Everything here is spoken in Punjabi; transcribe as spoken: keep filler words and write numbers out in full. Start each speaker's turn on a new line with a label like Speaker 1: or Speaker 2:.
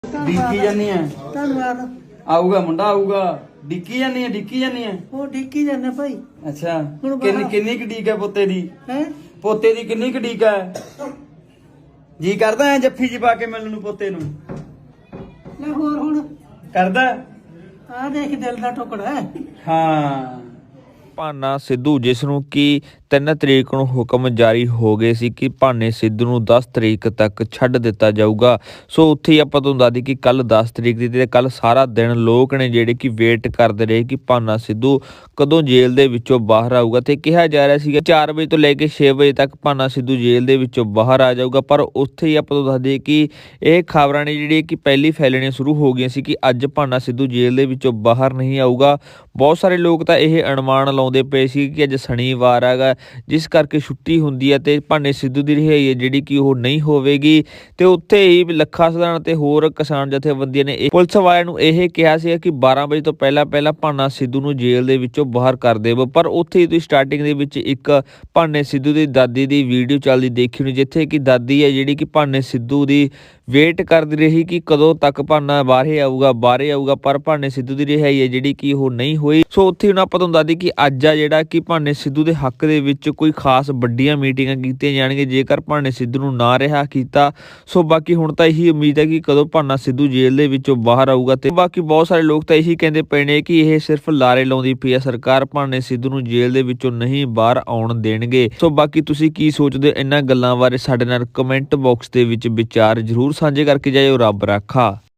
Speaker 1: ਡਿੱਕੀ ਜਾਨੀ ਆ
Speaker 2: ਧੰਨਵਾਦ।
Speaker 1: ਆਊਗਾ ਮੁੰਡਾ ਆਊਗਾ ਡਿੱਕੀ ਜਾਨੀ ਆ ਡਿੱਕੀ ਜਾਨੀ ਆ
Speaker 2: ਉਹ ਡਿੱਕੀ ਜਾਂਦੇ ਭਾਈ।
Speaker 1: ਅੱਛਾ
Speaker 2: ਹੁਣ
Speaker 1: ਕਿੰਨੀ
Speaker 2: ਬਾਹਰ-
Speaker 1: ਕਿੰਨੀ ਕੁ ਡੀਕ ਹੈ ਪੋਤੇ ਦੀ
Speaker 2: ਹੈ
Speaker 1: ਪੋਤੇ ਦੀ ਕਿੰਨੀ ਕੁ ਡੀਕ ਹੈ ਜੀ ਕਰਦਾ ਐ ਜੱਫੀ ਜੀ ਪਾ ਕੇ ਮਿਲਣ ਨੂੰ ਪੋਤੇ ਨੂੰ
Speaker 2: ਲੈ ਹੋਰ ਹੁਣ
Speaker 1: ਕਰਦਾ
Speaker 2: ਆ ਦੇਖ ਦਿਲ ਦਾ ਟੁਕੜਾ ਹੈ।
Speaker 1: ਹਾਂ
Speaker 3: ਭਾਨਾ ਸਿੱਧੂ ਜਿਸ ਨੂੰ ਕਿ ਤਿੰਨ ਤਰੀਕ ਨੂੰ ਹੁਕਮ ਜਾਰੀ ਹੋ ਗਏ ਸੀ ਕਿ ਭਾਨੇ ਸਿੱਧੂ ਨੂੰ ਦਸ ਤਰੀਕ ਤੱਕ ਛੱਡ ਦਿੱਤਾ ਜਾਊਗਾ। ਸੋ ਉੱਥੇ ਹੀ ਆਪਾਂ ਤੁਹਾਨੂੰ ਦੱਸ ਦਈਏ ਕਿ ਕੱਲ ਦਸ ਤਰੀਕ ਦੀ ਤੇ ਕੱਲ ਸਾਰਾ ਦਿਨ ਲੋਕ ਨੇ ਜਿਹੜੇ ਕਿ ਵੇਟ ਕਰਦੇ ਰਹੇ ਕਿ ਭਾਨਾ ਸਿੱਧੂ ਕਦੋਂ ਜੇਲ੍ਹ ਦੇ ਵਿੱਚੋਂ ਬਾਹਰ ਆਊਗਾ ਤੇ ਕਿਹਾ ਜਾ ਰਿਹਾ ਸੀਗਾ ਚਾਰ ਵਜੇ ਤੋਂ ਲੈ ਕੇ ਛੇ ਵਜੇ ਤੱਕ ਭਾਨਾ ਸਿੱਧੂ ਜੇਲ੍ਹ ਦੇ ਵਿੱਚੋਂ ਬਾਹਰ ਆ ਜਾਊਗਾ। ਪਰ ਉੱਥੇ ਹੀ ਆਪਾਂ ਤੁਹਾਨੂੰ ਦੱਸ ਦਈਏ ਕਿ ਇਹ ਖਬਰਾਂ ਨੇ ਜਿਹੜੀ ਕਿ ਪਹਿਲੀ ਫੈਲਣੀਆਂ ਸ਼ੁਰੂ ਹੋ ਗਈਆਂ ਸੀ ਕਿ ਅੱਜ ਭਾਨਾ ਸਿੱਧੂ ਜੇਲ੍ਹ ਦੇ ਵਿੱਚੋਂ ਬਾਹਰ ਨਹੀਂ ਆਊਗਾ। ਬਹੁਤ ਸਾਰੇ ਲੋਕ ਤਾਂ ਇਹ ਅਨੁਮਾਨ ਲਾਉਂਦੇ ਪਏ ਸੀ ਕਿ ਅੱਜ ਸ਼ਨੀਵਾਰ ਹੈਗਾ ਜਿਸ ਕਰਕੇ ਛੁੱਟੀ ਹੁੰਦੀ ਹੈ ਤੇ ਭਾਨੇ ਸਿੱਧੂ ਦੀ ਰਿਹਾਈ ਹੈ ਜਿਹੜੀ ਕਿ ਉਹ ਨਹੀਂ ਹੋਵੇਗੀ। ਤੇ ਉੱਥੇ ਹੀ ਲੱਖਾ ਸਧਾਰਨ ਤੇ ਹੋਰ ਕਿਸਾਨ ਜਥੇਬੰਦੀਆਂ ਨੇ ਪੁਲਿਸ ਵਾਲਿਆਂ ਨੂੰ ਇਹ ਕਿਹਾ ਸੀ ਕਿ ਬਾਰਾਂ ਵਜੇ ਤੋਂ ਪਹਿਲਾਂ ਪਹਿਲਾਂ ਭਾਨਾ ਸਿੱਧੂ ਨੂੰ ਜੇਲ੍ਹ ਦੇ ਵਿੱਚੋਂ ਬਾਹਰ ਕਰ ਦੇਵੋ। ਪਰ ਉੱਥੇ ਹੀ ਤੁਸੀਂ ਸਟਾਰਟਿੰਗ ਦੇ ਵਿੱਚ ਇੱਕ ਭਾਨੇ ਸਿੱਧੂ ਦੀ ਦਾਦੀ ਦੀ ਵੀਡੀਓ ਚੱਲਦੀ ਦੇਖੀ ਨੂੰ ਜਿੱਥੇ ਕਿ ਦਾਦੀ ਹੈ ਜਿਹੜੀ ਕਿ ਭਾਨੇ ਸਿੱਧੂ ਦੀ ਵੇਟ ਕਰਦੀ ਰਹੀ ਕਿ ਕਦੋਂ ਤੱਕ ਭਾਨਾ ਬਾਹਰੇ ਆਊਗਾ ਬਾਹਰੇ ਆਊਗਾ ਪਰ ਭਾਨੇ ਸਿੱਧੂ ਦੀ ਰਿਹਾਈ ਹੈ ਜਿਹੜੀ ਕਿ ਉਹ ਨਹੀਂ ਹੋਈ। ਸੋ ਉੱਥੇ ਹੁਣ ਆਪਾਂ ਤੁਹਾਨੂੰ ਦੱਸਦੀ ਕਿ ਅੱਜ ਆ ਜਿਹੜਾ ਕਿ ਭਾਨੇ ਸਿੱਧੂ ਦੇ ਹੱਕ ਦੇ ਵਿੱਚ ਕੋਈ ਖਾਸ ਵੱਡੀਆਂ ਮੀਟਿੰਗਾਂ ਕੀਤੀਆਂ ਜਾਣਗੀਆਂ ਜੇਕਰ ਭਾਨੇ ਸਿੱਧੂ ਨੂੰ ਨਾ ਰਿਹਾ ਕੀਤਾ। ਸੋ ਬਾਕੀ ਹੁਣ ਤਾਂ ਇਹੀ ਉਮੀਦ ਹੈ ਕਿ ਕਦੋਂ ਭਾਨਾ ਸਿੱਧੂ ਜੇਲ੍ਹ ਦੇ ਵਿੱਚੋਂ ਬਾਹਰ ਆਊਗਾ। ਤੇ ਬਾਕੀ ਬਹੁਤ ਸਾਰੇ ਲੋਕ ਤਾਂ ਇਹੀ ਕਹਿੰਦੇ ਪਏ ਨੇ ਕਿ ਇਹ ਸਿਰਫ ਲਾਰੇ ਲਾਉਂਦੀ ਪਈ ਹੈ ਸਰਕਾਰ, ਭਾਨੇ ਸਿੱਧੂ ਨੂੰ ਜੇਲ੍ਹ ਦੇ ਵਿੱਚੋਂ ਨਹੀਂ ਬਾਹਰ ਆਉਣ ਦੇਣਗੇ। ਸੋ ਬਾਕੀ ਤੁਸੀਂ ਕੀ ਸੋਚਦੇ ਹੋ ਇਹਨਾਂ ਗੱਲਾਂ ਬਾਰੇ ਸਾਡੇ ਨਾਲ ਕਮੈਂਟ ਬਾਕਸ ਦੇ ਵਿੱਚ ਵਿਚਾਰ ਜ਼ਰੂਰ ਸਾਂਝੇ ਕਰਕੇ ਜਾਇਓ। ਰੱਬ ਰਾਖਾ।